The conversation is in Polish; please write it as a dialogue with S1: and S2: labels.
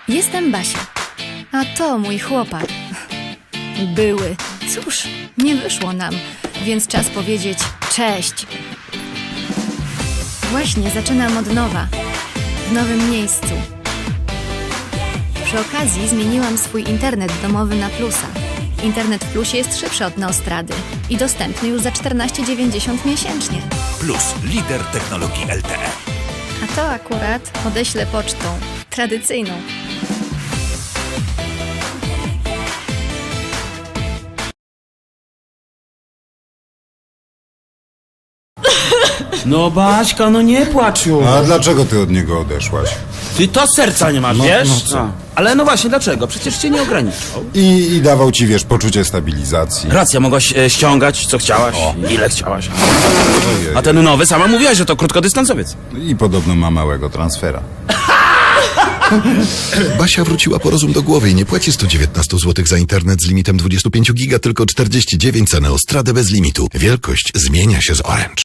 S1: Jestem Basia, a to mój chłopak. Były. Cóż, nie wyszło nam, więc czas powiedzieć cześć. Właśnie zaczynam od nowa, w nowym miejscu. Przy okazji zmieniłam swój internet domowy na Plusa. Internet w Plusie jest szybszy od Neostrady i dostępny już za 14,90 miesięcznie.
S2: Plus, lider technologii LTE.
S1: A to akurat odeślę pocztą tradycyjną.
S3: No Baśka, no nie płacz już.
S4: A dlaczego ty od niego odeszłaś?
S3: Ty to serca nie masz,
S4: No,
S3: wiesz?
S4: no co?
S3: Ale no właśnie, dlaczego? Przecież cię nie ograniczał.
S4: I dawał ci, wiesz, poczucie stabilizacji.
S3: Racja, mogłaś ściągać co chciałaś, ile chciałaś.
S4: Ojej.
S3: A ten nowy, sama mówiłaś, że to krótkodystansowiec.
S4: I podobno ma małego transfera.
S5: Basia wróciła po rozum do głowy i nie płaci 119 zł za internet z limitem 25 giga, tylko 49 za Neostradę bez limitu. Wielkość zmienia się z Orange.